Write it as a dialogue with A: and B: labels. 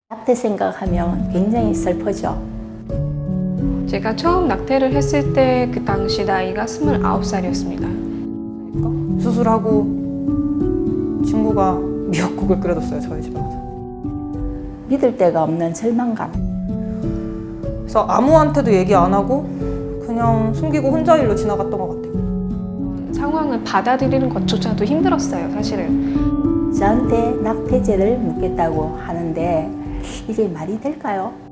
A: 낙태 생각하면 굉장히 슬프죠.
B: 제가 처음 낙태를 했을 때 그 당시 나이가 29살이었습니다.
C: 수술하고 친구가 미역국을 끓여줬어요, 저희 집에 와서.
A: 믿을 데가 없는 절망감.
C: 그래서 아무한테도 얘기 안 하고 그냥 숨기고 혼자 일로 지나갔던 것 같아요.
B: 상황을 받아들이는 것조차도 힘들었어요, 사실은.
A: 저한테 낙태죄를 묻겠다고 하는데 이게 말이 될까요?